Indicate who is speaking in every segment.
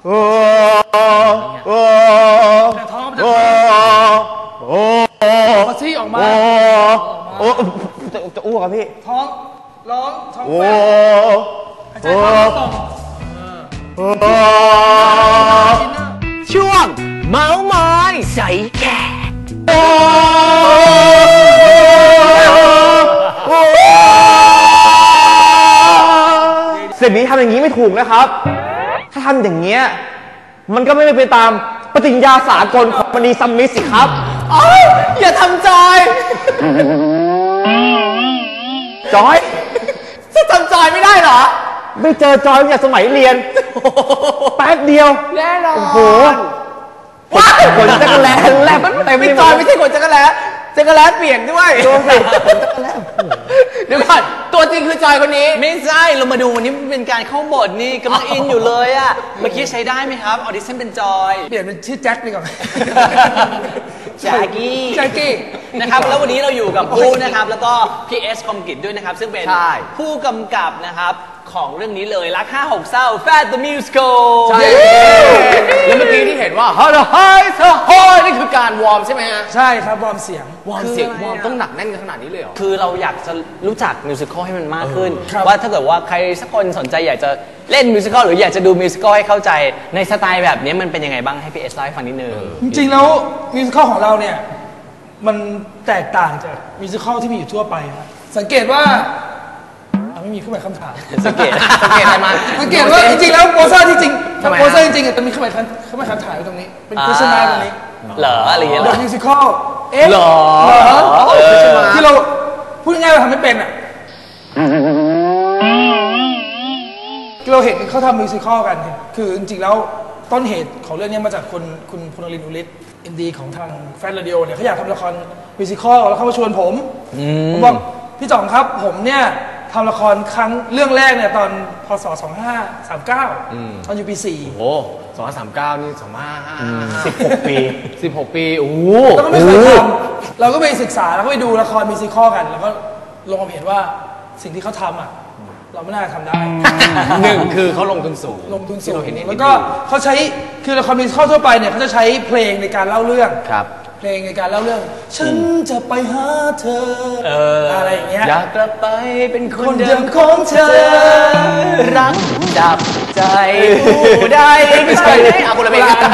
Speaker 1: โอ้โอ้
Speaker 2: ท้อง
Speaker 1: โอ้โอ้
Speaker 2: มาซี่ออกมา
Speaker 1: โอ้จะอ้วกครับพี่
Speaker 2: ท้องร้องท้อง
Speaker 1: โอ้
Speaker 2: หายใจเข้าต่อ
Speaker 3: ช่วงเมาส์มอยใส่แขก
Speaker 1: สิ่งนี้ทำอย่างนี้ไม่ถูกนะครับ ถ้าทำอย่างเงี้ยมันก็ไม่ไปตามปฏิญญาสากลของมณีซัมมิตสิครับอย่าทำจอยจอยจะทำจอยไม่ได้เหรอไม่เจอจอยตั้งแต่สมัยเรียนแป๊บเดียว
Speaker 2: แน่นอน
Speaker 1: โอ้โหขนจักรแลแลบเต็มไม่จอยไม่ใช่ขนจักรแลจักรแลเปลี่ยนด้วยดูสิเดี๋ยวก่อนตัวจริงคือจอยคนนี้
Speaker 3: ไม่ใช่เรามาดูวันนี้เป็นการเข้าบทนี่กำลังอินอยู่เลยอะเมื่อกี้ใช้ได้ไหมครับออดิชั่นเป็นจอย
Speaker 2: เปลี่ยนเป็นชื่อแจ็คดีกว่า
Speaker 3: แจ็คกี้นะครับแล้ววันนี้เราอยู่กับผู้นะครับแล้วก็พี่เอสคอมกิจด้วยนะครับซึ่งเป็นผู้กำกับนะครับของเรื่องนี้เลยรัก5-6เศร้า Fat the Musical
Speaker 1: ใช่แล้วเมื่อกี้ที่เห็นว่าฮัลโหลไฮเธอโฮนี่คือการวอร์มใช่ไหมฮะ
Speaker 2: ใช่ครับวอร์มเสียง
Speaker 1: วอร์มต้องหนักแน่นขนาดนี้เลยเหรอ
Speaker 3: คือเราอยากจะรู้จักมิวสิควลให้มันมากขึ้นว่าถ้าเกิดว่าใครสักคนสนใจอยากจะเล่นมิวสิควลหรืออยากจะดูมิวสิควลให้เข้าใจในสไตล์แบบนี้มันเป็นยังไงบ้างให้พี่เอสเล่าให้ฟังนิดนึง
Speaker 2: จริงๆแล้วมิวสิควลของเราเนี่ยมันแตกต่างจากมิวสิควลที่มีอยู่ทั่วไปครับสังเกตว่าไม่มีเครื่องหมายคำถาม
Speaker 3: สังเกต
Speaker 2: อะไรมาสังเกตว่าจริงๆแล้วโปสเตอร์ที่จริงโปสเตอร์จริงๆจะมีเครื่องหมายคำถามอยู่ตรงนี้เป็นโฆษณาตรงนี้
Speaker 3: เหรออะไรอย่างเงี้ย
Speaker 2: เดอะมิวสิควล
Speaker 3: เหรอ
Speaker 2: ที่เราพูดง่ายๆเราทำไม่เป็นอ่ะเราเห็นเขาทำมิวสิควลกันคือจริงๆแล้วต้นเหตุของเรื่องนี้มาจากคุณพลลินอุลิศอินดีของทางแฟนเรดิโอเนี่ยเขาอยากทำละครมิวสิควลแล้วเขามาชวนผมบอกพี่จ่องครับผมเนี่ยทำละครครั้งเรื่องแรกเนี่ยตอนพศ2539ตอนอยู่ปี4
Speaker 1: โอ้2539นี่16 ปีโอ้
Speaker 2: แล้วก็ไม่เคยทำเราก็ไปศึกษาแล้วก็ไปดูละครมิวสิควลกันแล้วก็ลงความเห็นว่าสิ่งที่เขาทำอ่ะเราไม่น่าทำได้
Speaker 1: หนึ่งคือเขาลงทุนสูง
Speaker 2: แล้วก็เขาใช้คือละครมิวสิควลทั่วไปเนี่ยเขาจะใช้เพลงในการเล่าเรื่องเพลงในการเล่าเรื่องฉันจะไปหาเธออะไรอย่างเงี้ย
Speaker 3: อยากกลับไปเป็นคนเดิมของเธอรักจับใจผู้ใดไม่ใช่เอาคนละเพลงกัน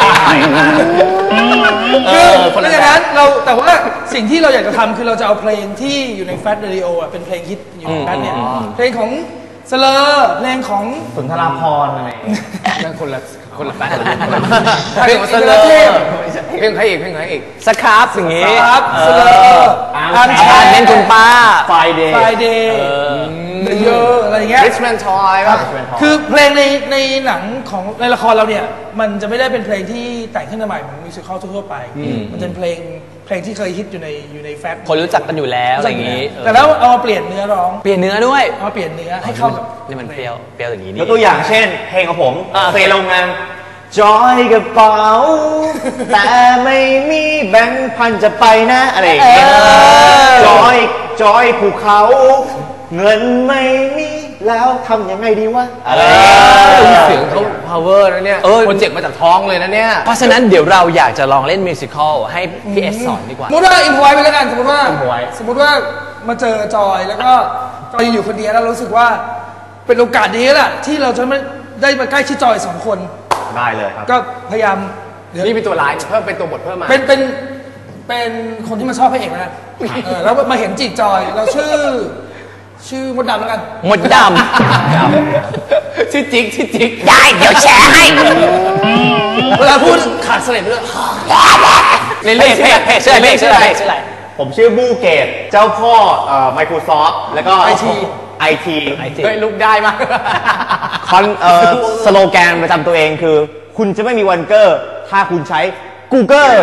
Speaker 2: เพราะฉะนั้นเราแต่ว่าสิ่งที่เราอยากจะทำคือเราจะเอาเพลงที่อยู่ในแฟตเรดิโออ่ะเป็นเพลงฮิตอยู่ในแฟตเนี่ยเพลงของสเลอร์เพลงของ
Speaker 1: สุนทราภรณ์อะไรนั่นคนละแฟน
Speaker 2: เพลงของสเลอร์
Speaker 1: เพลงใครอีก
Speaker 3: สครับอย่างงี้
Speaker 2: สเลอร์
Speaker 3: อันชันเล่นคุณป้า
Speaker 2: ไฟเดย์เยอะอะไรอย่างเงี้ย
Speaker 1: Richmond Toy
Speaker 2: คือเพลงในหนังของในละครเราเนี่ยมันจะไม่ได้เป็นเพลงที่แต่งขึ้นมาใหม่เหมือนมิวสิควลทั่วไปมันเป็นเพลงที่เคยฮิตอยู่ในแฟต
Speaker 3: คนรู้จักกันอยู่แล้วอะไรอย่างงี้
Speaker 2: แต่แล้วเอามาเปลี่ยนเนื้อร้อง
Speaker 3: เปลี่ยนเนื้อด้วย
Speaker 2: เอาเปลี่ยนเนื้อให้เข้ากับ
Speaker 3: นี่มันเปรี้ยวอย่างนี้
Speaker 1: นี่แล้วตัวอย่างเช่นเพลงของผมเซโรงงานจอยกระเป๋าแต่ไม่มีแบงค์พันจะไปนะอะไรอย่างเงี้ยจอยภูเขาเงินไม่มีแล้วทำยังไงดีวะเสียงเขา power นะเนี่ยโปรเจกต์มาจากท้องเลยนะเนี่ย
Speaker 3: เพราะฉะนั้นเดี๋ยวเราอยากจะลองเล่นมิวสิควลให้พี่เอสสอนดีกว่า
Speaker 2: สมมติว่าอินพอยไปแล้วกันสมมติว่ามาเจอจอยแล้วก็จอยอยู่คนเดียวแล้วรู้สึกว่าเป็นโอกาสดีแหละที่เราจะไม่ได้มาใกล้ชิดจอย2 คน
Speaker 1: ได้เลยครับ
Speaker 2: ก็พยายาม
Speaker 1: นี่เป็นตัวร้ายเพิ่มเป็นตัวบทเพิ่มมา
Speaker 2: เป็นคนที่มาชอบพระเอกนะแล้วมาเห็นจีบจอยเราชื่อมดดำแล้วกัน
Speaker 3: มดดำ
Speaker 1: ชื่อจิ๊ก
Speaker 3: ได้เดี๋ยวแชร์ให้
Speaker 2: เวลาพูดขาดเสลดด้วย
Speaker 3: เล่นชื่ออะไร
Speaker 1: ผมชื่อบูเกตเจ้าพ่อMicrosoft แล้วก็ IT
Speaker 3: เฮ้ยลุกได้มาก
Speaker 1: สโลแกนประจำตัวเองคือคุณจะไม่มีวันเกอร์ถ้าคุณใช้ Google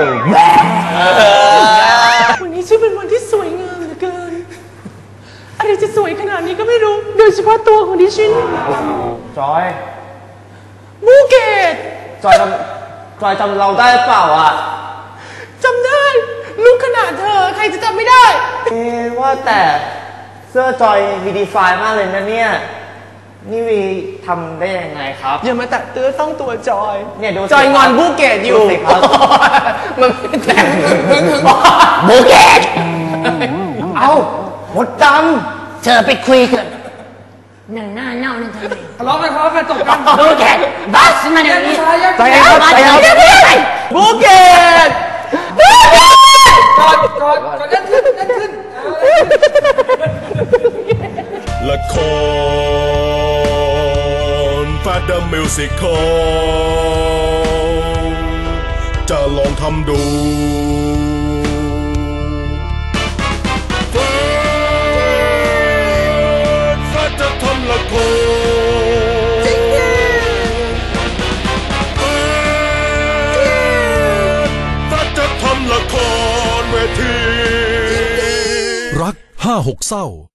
Speaker 2: วันนี้ชื่อเป็นวันที่สวยงามเหลือเกินอะไรจะสวยขนาดนี้ก็ไม่รู้โดยเฉพาะตัวของดิฉัน
Speaker 1: จอย
Speaker 2: บูเกต
Speaker 1: จอยจำเราได้เปล่าอ่ะ
Speaker 2: จำได้ลูกขนาดเธอใครจะจำไม่ได้
Speaker 1: ว่าแต่เสื้อจอยมีดีไซน์มากเลยนะเนี่ยนี่วีทำได้ยังไงครับ
Speaker 3: อย่ามาแตะเตื้อต้องตัวจอย
Speaker 1: เนี่ยดูสิ
Speaker 3: จอยงอนบูเกตอยู่
Speaker 1: ดูสิครับ
Speaker 3: มันไม่แตะ
Speaker 1: บูเกตเอาหมดด
Speaker 4: เธอไปคุยกันหนังหน้าเน่านั่นทำไม
Speaker 2: ทะเลาะกันจบกัน
Speaker 4: ดูแกบัสมาเดี๋ยวนี้
Speaker 1: ำใจเย็นครับใจเย็นครับ
Speaker 3: บูเกต
Speaker 2: ก่อนนั่นขึ้น
Speaker 5: ละครแฟดเดอร์มิวสิคอลจะลองทำดูแฟดจะทำละครแฟดจะทำละครเวทีรัก56 เศร้า